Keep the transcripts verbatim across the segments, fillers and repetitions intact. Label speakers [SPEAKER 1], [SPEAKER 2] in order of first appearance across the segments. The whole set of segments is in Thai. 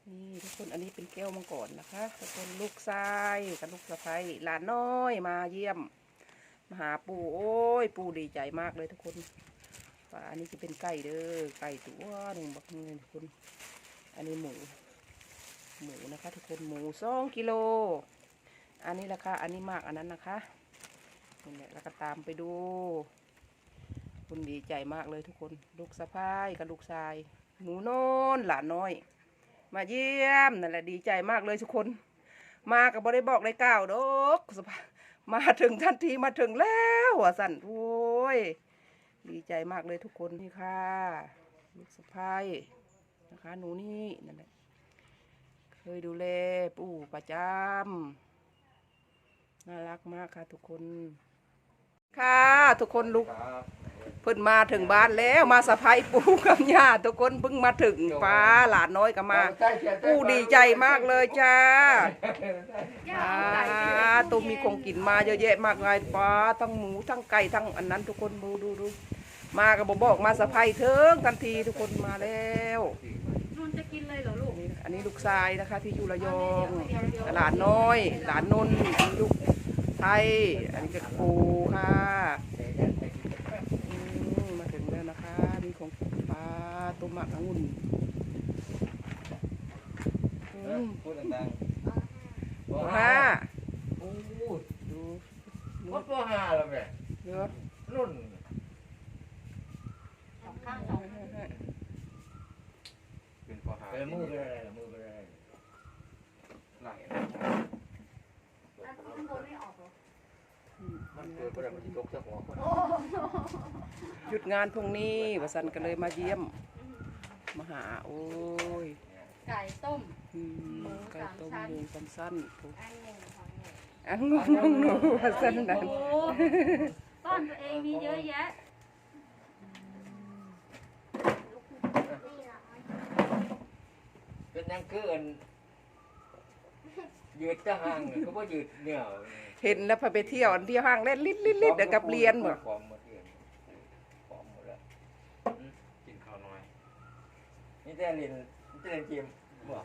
[SPEAKER 1] นี่ทุกคนอันนี้เป็นแก้วมังกรนะคะทุกคนลูกชายกับลูกสะใภ้หลานน้อยมาเยี่ยมมาหาปู่โอ้ยปู่ดีใจมากเลยทุกคนว่าอันนี้จะเป็นไก่เด้อไก่ตัวหนึ่งบักเงินทุกคนอันนี้หมูหมูนะคะทุกคนหมูสองกิโลอันนี้ราคาอันนี้มากอันนั้นนะคะนี่แหละแล้วก็ตามไปดูคุณดีใจมากเลยทุกคนลูกสะใภ้กับลูกชายหนูโน้นหลานน้อยมาเยี่ยมนั่นแหละดีใจมากเลยทุกคนมากับบได้บอกได้กล่าวดอกมาถึงทันทีมาถึงแล้วหัวสั่นโอ้ยดีใจมากเลยทุกคนนี่ค่ะลูกสะใภ้นะคะหนูนี่นั่นแหละเคยดูแลปู่ประจำน่ารักมากค่ะทุกคนค่ะทุกคนลุกเพิ่นมาถึงบ้านแล้วมาสะพายปู่กับย่าทุกคนเพิ่งมาถึงป้าหลานน้อยก็มาปู่ดีใจมากเลยจ้าป้าตุ้มมีของกินมาเยอะแยะมากมายป้าทั้งหมูทั้งไก่ทั้งอันนั้นทุกคนดูดูดูมากับบอกมาสะพายเถิงทันทีทุกคนมาแล้ว
[SPEAKER 2] นุ่นจะกินเลยเหรอลูก
[SPEAKER 1] อันนี้ลูกชายนะคะที่อยู่ระยองหลานน้อยหลานนนท์ลูกไทยอันนี้ก็ปูค่ะมาถึงแล้วนะคะนี่ของปลาต้มหมักองุ่น
[SPEAKER 3] พูดดังๆ
[SPEAKER 1] ตัวห้า
[SPEAKER 3] โอ้
[SPEAKER 1] ดู
[SPEAKER 3] วัดตัวห้าแล้วแม่
[SPEAKER 1] เยอะ
[SPEAKER 3] รุ่น
[SPEAKER 2] สองข้างสอง
[SPEAKER 3] เป็นตัวห้าเป็นมือเป็นอะไรมือเป็นอะไรไหล
[SPEAKER 2] แล้วข้างบนไม่ออกหรอ
[SPEAKER 3] มันเกิดอะไรมันตกจากหัว
[SPEAKER 1] หยุดงานพรุ่งนี้วสันก็เลยมาเยี่ยมมาหาโอ้ย
[SPEAKER 2] ไก่ต้ม
[SPEAKER 1] ไก่ต้มหมูสั้นๆ
[SPEAKER 2] อันหนึ่งของหนู
[SPEAKER 1] อันงงงงวสันนั่น
[SPEAKER 2] ต้อนตัวเองมีเยอะแยะ
[SPEAKER 3] เป็นยังเกินยืดจะห่างก็ว่ายืดเหนี่ยว
[SPEAKER 1] เห็นแล้วพาไปเที่ยวอันที่ห้างเล่นลิ้นลิ้นลิ้นเดี๋ยวกับเรียนเหมือน
[SPEAKER 3] กินข้าวน้อยนี่แต่เรียนนี่แต่เรียนเกมบ่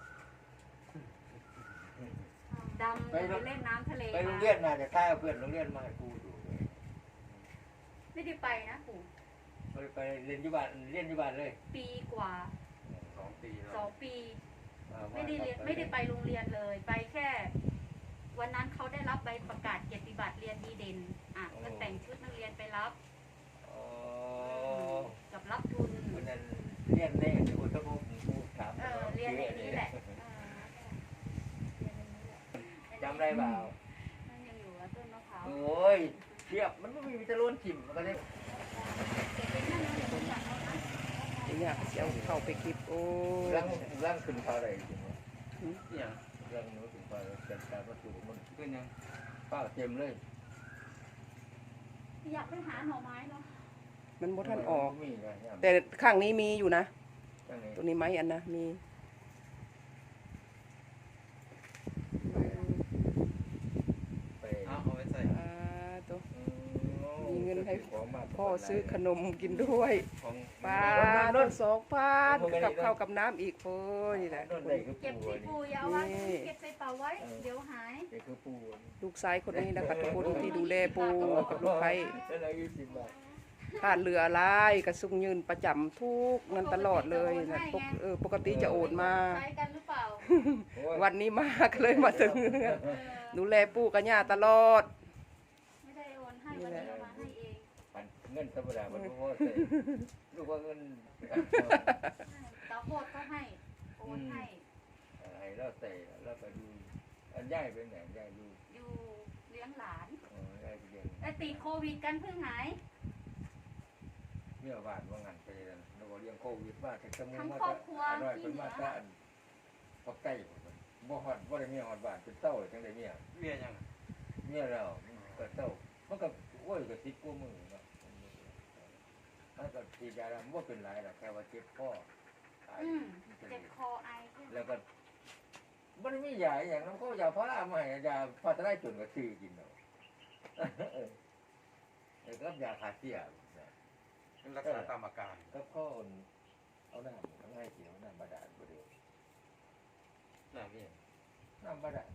[SPEAKER 2] ดำไปเล่นน้ำทะเล
[SPEAKER 3] ไปโรงเรียนมาจะใต้เพื่อนโรงเรียนมาให้กูดู
[SPEAKER 2] ไม่ได้ไปนะปู่
[SPEAKER 3] ไปไปเรียนที่บ้านเรียนที่บ้านเลย
[SPEAKER 2] ปีกว่า
[SPEAKER 3] สองปี
[SPEAKER 2] สองปีไม่ได้เรียนไม่ได้ไปโรงเรียนเลยไปแค่วันนั้นเขาได้รับใบประกาศเกียรติบัตรเรียนดีเด่นอ่ะก็แต่งชุดนักเรียนไปรับกับรับทุน
[SPEAKER 3] วันนั้นเรียนในอุตบุกูถาม
[SPEAKER 2] เออเรียนในนี้แหละ
[SPEAKER 3] จำได้เปล่า
[SPEAKER 2] นั่นยังอยู่ว่าต้นมะพร้าว
[SPEAKER 3] โอ้ยเทียบมันไม่มีจะล้นจิ้มมันก็ได้
[SPEAKER 1] เนี่ยเจ้าเข้าไปคลิปโอ้
[SPEAKER 3] ร่างร่างขึ้นเขาอะไรจริงเนี่ยร่างนู้นขึ้นเขาแต่การประตูมันขึ้นยังป้าเต็มเลย
[SPEAKER 2] อยากไปหาหน่อไม้เนาะ
[SPEAKER 1] มันบ่ทันออกแต่ข้างนี้มีอยู่นะตัวนี้ไม้อันนะมีมีเงินให้พ่อซื้อขนมกินด้วยปลาต้นสองพันกับข้าวกับน้ำอีกโอ้ยนี่แหละ
[SPEAKER 2] เก็บใส่ปูยาวไว้เก็บใส่เป๋าไว้เดี๋ยวหาย
[SPEAKER 1] ลูกชายคนนี้นะคะทุกคนที่ดูแลปูกับลูกไผ่ผ่านเรืออะไรกระซุงยืนประจำทุกนั้นตลอดเลยนะปกติจะโอนมาวันนี้มาก็เลยมาถึงดูแลปูกับย่าตลอด
[SPEAKER 2] ไม่ได้โอนให้วันนี้มาให้เอง
[SPEAKER 3] เงินธรรมดามันรู้ว่ารู้ว่าเงิน
[SPEAKER 2] ตาโคตรก็ให้โอนให้
[SPEAKER 3] ให้แล้วแต่แล้วไปดูอันย่ายเป็นไหนย่ายดู
[SPEAKER 2] อยู่เลี้ยงหลานแต่ติดโควิดกันเพิ่งหาย
[SPEAKER 3] เมื่อวานว่างานไปแล้วเราเลี้ยงโควิดว่าแต่สมุนมาจะอร่อยเป็นมาตราพอใกล้บ่ฮอดบ่ได้มีฮอดบ้านเป็นเต้าจังได้เมียเมียยังเมียแล้วก็เต้ามันก็โอ้ยก็สิบกว่ามื้อเนาะมันก็ฉีดยาแล้วบ่เป็นไรหรอกแค่ว่าเจ็บคอ
[SPEAKER 2] อืมเจ็บคอไอ
[SPEAKER 3] แล้วก็มันมียาอย่างนั้นเขายาพารามาให้ยาพาราได้จนก็ซื้อกินเนาะเออแล้วก็ยาคาเซีย
[SPEAKER 4] เป็นรักษาตามอาการ
[SPEAKER 3] ก็พ่อเอาหน้าทั้งให้กินเอาหน้าบาดาลบ่ได้
[SPEAKER 4] ำเนี่ย
[SPEAKER 3] น้ำบาดาล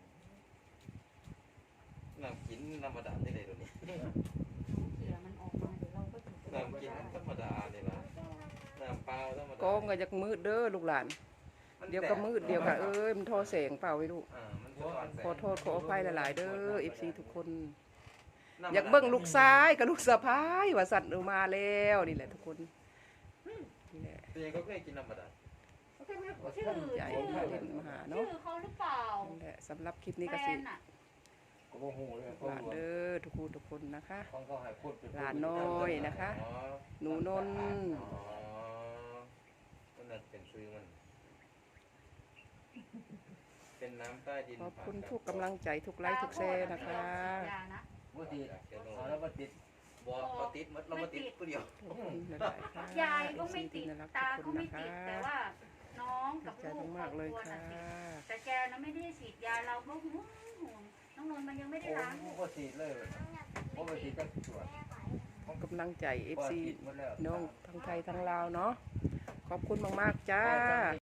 [SPEAKER 4] น้ำกินน้ำบาดาลได้เลยตัวนี้
[SPEAKER 2] เขี่ยมันออกมาเดี๋ยวเราก็ถึงจะ
[SPEAKER 4] น้ำกินธรรมดาเนี่ยละน้ำเปล่าธรรมดา
[SPEAKER 1] กองก็จะมืดเด้อลูกหลานเดี๋ยวก็มืดเดี๋ยวก็เอ้ยมันโทอแสงเปล่าไว้ลูก
[SPEAKER 4] อ่ามันสะท้อนแสง
[SPEAKER 1] ขอโทษขออภัยหลายๆเด้อ เอฟ ซี ทุกคน
[SPEAKER 4] น้ำบดล
[SPEAKER 1] อยากเบิ่งลูกซ้ายกับลูกสะพ้ายว่าสัตว์เอามาแล้วนี่แหละทุกคนนี่แหละ
[SPEAKER 4] ตัวเองก็เคยกินน้ำบาดาล
[SPEAKER 2] ชื่อ
[SPEAKER 1] ใหญ่
[SPEAKER 2] ชื่อ
[SPEAKER 1] เด่นมหา
[SPEAKER 2] ชื่
[SPEAKER 1] เนาะ
[SPEAKER 2] อเขาหรือเปล่า
[SPEAKER 1] นั่นแหละสำหรับคลิปนี้
[SPEAKER 2] แฟ
[SPEAKER 1] ก็สิ
[SPEAKER 2] นอ่ะ
[SPEAKER 3] ก็บ่ฮู้เลย
[SPEAKER 1] ห
[SPEAKER 3] เขา
[SPEAKER 1] ลาน
[SPEAKER 3] รวม
[SPEAKER 1] เด้อทุกคนทุกคนนะคะ
[SPEAKER 3] ของเขาให้พูดไป
[SPEAKER 1] หลานน้อยนะคะ
[SPEAKER 4] อ๋อ
[SPEAKER 1] หนูนนท์
[SPEAKER 4] อ๋อมันน่าจะเป็นซื้อมัน เป็นน้ำใต้ดิน
[SPEAKER 1] ขอบคุณทุกกำลังใจทุกไลค์ทุกแชร์นะคะ
[SPEAKER 2] ยานะ
[SPEAKER 3] บ่ติดเอาแล้วบ่ติด
[SPEAKER 4] บอเราติดมัดเรามาติดผู้เดียว
[SPEAKER 1] ขอบคุณหลายๆค่ะ
[SPEAKER 2] ยายก็ไม่
[SPEAKER 1] เอฟ
[SPEAKER 2] ติ
[SPEAKER 1] ซี
[SPEAKER 2] ด
[SPEAKER 1] ที่น่ารัก
[SPEAKER 2] ตา
[SPEAKER 1] ทุ
[SPEAKER 2] ก็
[SPEAKER 1] กคน
[SPEAKER 2] ไม่
[SPEAKER 1] นะ
[SPEAKER 2] ติด
[SPEAKER 1] คะ
[SPEAKER 2] แต่ว่าน้อง
[SPEAKER 1] ดี
[SPEAKER 2] กับ
[SPEAKER 1] ใจ
[SPEAKER 2] ลูก
[SPEAKER 1] มากๆเลย
[SPEAKER 2] ครอบครัว
[SPEAKER 1] ค่ะ
[SPEAKER 2] น่ะติดแต่แกนะไม่ได้ฉีดยาเราก็ห่วงห่วงน้องนนท์มันยังไม่ได้
[SPEAKER 3] โอ้
[SPEAKER 2] ล้าง
[SPEAKER 3] บ่ติดเลยบ่บ่ติดจักส่วน
[SPEAKER 1] กำลังใจ เอฟ
[SPEAKER 3] บ่
[SPEAKER 1] ซี
[SPEAKER 3] ติดหมดแล้ว
[SPEAKER 1] น้องทั้งไทยทั้งลาวเนาะขอบคุณมากๆจ้า